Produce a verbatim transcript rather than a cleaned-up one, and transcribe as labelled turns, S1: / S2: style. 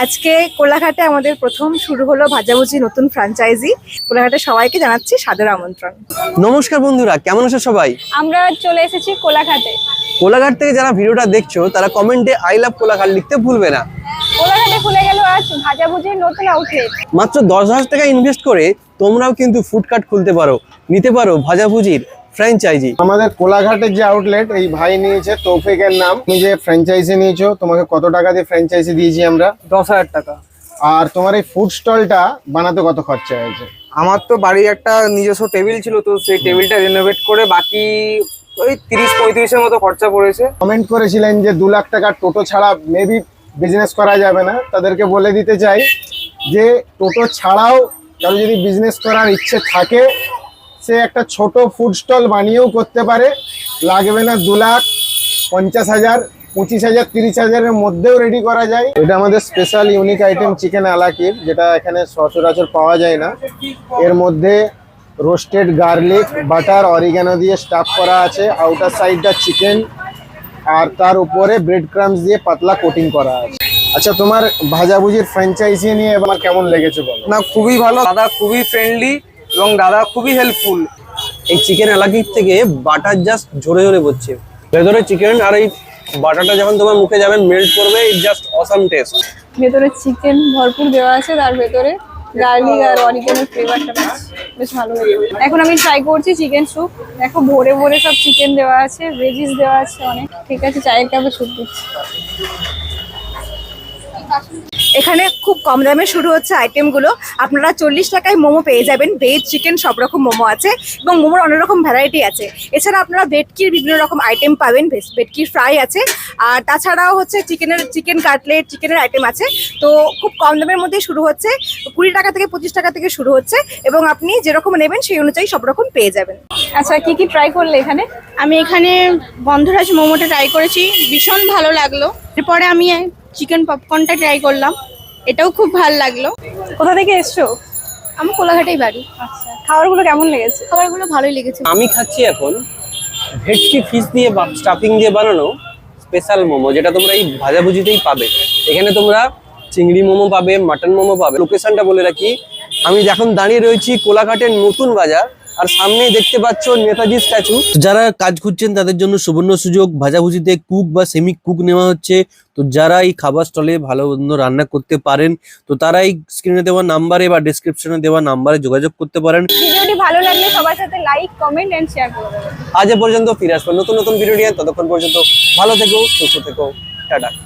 S1: আজকে কোলাঘাটে আমাদের প্রথম শুরু হলো ভাজাভুজি নতুন ফ্র্যাঞ্চাইজি। কোলাঘাটে সবাইকে জানাচ্ছি সাদর আমন্ত্রণ।
S2: নমস্কার বন্ধুরা, কেমন আছো সবাই?
S1: আমরা চলে এসেছি কোলাঘাটে।
S2: কোলাঘাট থেকে যারা ভিডিওটা দেখছো তারা কমেন্টে আই লাভ কোলাঘাট লিখতে ভুলবে না।
S1: কোলাঘাটে খুলে গেল আজ ভাজাভুজির নতুন আউটলেট।
S2: মাত্র দশ হাজার টাকা ইনভেস্ট করে তোমরাও কিন্তু ফুড কার্ট খুলতে পারো, নিতে পারো ভাজাভুজির ফ্র্যাঞ্চাইজি।
S3: আমাদের কোলাঘাটের যে আউটলেট, এই ভাই নিয়েছে তৌফিকের নাম। তুমি যে ফ্র্যাঞ্চাইজি নিয়েছো, তোমাকে কত টাকা দিয়ে ফ্র্যাঞ্চাইজি দিয়েছি আমরা?
S4: দশ হাজার টাকা।
S3: আর তোমার এই ফুড স্টলটা বানাতে কত খরচা হয়েছে?
S4: আমার তো বাড়ির একটা নিজস্ব টেবিল ছিল, তো সেই টেবিলটা রিনোভেট করে বাকি ওই তিরিশ পঁয়ত্রিশের মতো খরচা পড়েছে।
S3: কমেন্ট করেছিলেন যে দু লাখ টাকার টোটো ছাড়া মেবি বিজনেস করা যাবে না। তাদেরকে বলে দিতে চাই যে টোটো ছাড়াও কারো যদি বিজনেস করার ইচ্ছে থাকে, সে একটা ছোট ফুড স্টল বানিয়েও করতে পারে। লাগবে না দু লাখ, পঞ্চাশ হাজার, পঁচিশ হাজার, তিরিশ হাজারের মধ্যেও রেডি করা যায়। এটা আমাদের স্পেশাল ইউনিক আইটেম চিকেন আলাকির, যেটা এখানে সচরাচর পাওয়া যায় না। এর মধ্যে রোস্টেড গার্লিক, বাটার, অরিগানো দিয়ে স্টাফ করা আছে। আউটার সাইডটা চিকেন, আর তার উপরে ব্রেড ক্রাম্বস দিয়ে পাতলা কোটিং করা আছে। আচ্ছা, তোমার ভাজাভুজির ফ্র্যাঞ্চাইজি নিয়ে এবার কেমন লেগেছে বলো?
S4: না, খুবই ভালো দাদা, খুবই ফ্রেন্ডলি এবং দাদা খুবই হেল্পফুল।
S2: এই চিকেন এলাকির থেকে বাটার জাস্ট ঝরে ঝরে পড়ছে ভেতরে চিকেন, আর এই বাটারটা যখন তোমার মুখে যাবে মেল্ট করবে, ইট জাস্ট অসাম টেস্ট।
S5: ভেতরে চিকেন ভরপুর দেওয়া আছে, তার ভেতরে গার্লিক আর অরিগানোর ফ্লেভারটা বেশ বেশ ভালো লাগে। এখন আমি ট্রাই করছি চিকেন স্যুপ। দেখো ভরে ভরে সব চিকেন দেওয়া আছে, ভেজিস দেওয়া আছে অনেক। ঠিক আছে, চায়ের কাপে স্যুপ দিচ্ছি।
S1: এখানে খুব কম দামে শুরু হচ্ছে আইটেমগুলো। আপনারা চল্লিশ টাকায় মোমো পেয়ে যাবেন। ভেজ, চিকেন সব রকম মোমো আছে এবং মোমোর অনেক রকম ভ্যারাইটি আছে। এছাড়া আপনারা ভেটকির বিভিন্ন রকম আইটেম পাবেন। ভেটকির ফ্রাই আছে, আর তাছাড়াও হচ্ছে চিকেনের চিকেন কাটলেট, চিকেনের আইটেম আছে। তো খুব কম দামের মধ্যে শুরু হচ্ছে, কুড়ি টাকা থেকে পঁচিশ টাকা থেকে শুরু হচ্ছে, এবং আপনি যেরকম নেবেন সেই অনুযায়ী সব রকম পেয়ে যাবেন।
S5: আচ্ছা, কি কি ট্রাই করলে এখানে?
S6: আমি এখানে গন্ধরাজ মোমোটা ট্রাই করেছি, ভীষণ ভালো লাগলো। এরপরে আমি চিকেন পপকর্নটা ট্রাই করলাম, এটাও খুব ভালো লাগলো।
S5: কোথা থেকে এসছো?
S6: আমার কোলাঘাটেই বাড়ি।
S5: আচ্ছা, খাবারগুলো কেমন লেগেছে?
S6: খাবারগুলো ভালোই লেগেছে।
S2: আমি খাচ্ছি এখন ভেটকি ফিশ দিয়ে স্টাফিং দিয়ে বানানো স্পেশাল মোমো, যেটা তোমরা এই ভাজাভুজিতেই পাবে। এখানে তোমরা চিংড়ি মোমো পাবে, মাটন মোমো পাবে। লোকেশনটা বলে রাখি, আমি এখন দাঁড়িয়ে রয়েছি কোলাঘাটের নতুন বাজার, আর সামনেই দেখতে পাচ্ছ নেতাজি স্ট্যাচু। যারা কাজ খুঁজছেন তাদের জন্য সুবর্ণ সুযোগ। ভাজাভুজিতে কুক বা সেমি কুক নেওয়া হচ্ছে। তো যারা এই খাবার স্টলে ভালো মন্দ রান্না করতে পারেন, তো তারা এই স্ক্রিনে দেওয়া নাম্বারে বা ডেসক্রিপশনে দেওয়া নাম্বারে যোগাযোগ করতে পারেন।
S5: ভিডিওটি ভালো লাগলে সবার সাথে লাইক, কমেন্ট এন্ড শেয়ার করে দেবেন।
S2: আজ এ পর্যন্ত, ফিরে আসবো নতুন নতুন ভিডিও নিয়ে। ততক্ষণ পর্যন্ত ভালো থেকো, সুস্থ থেকো, টাটা।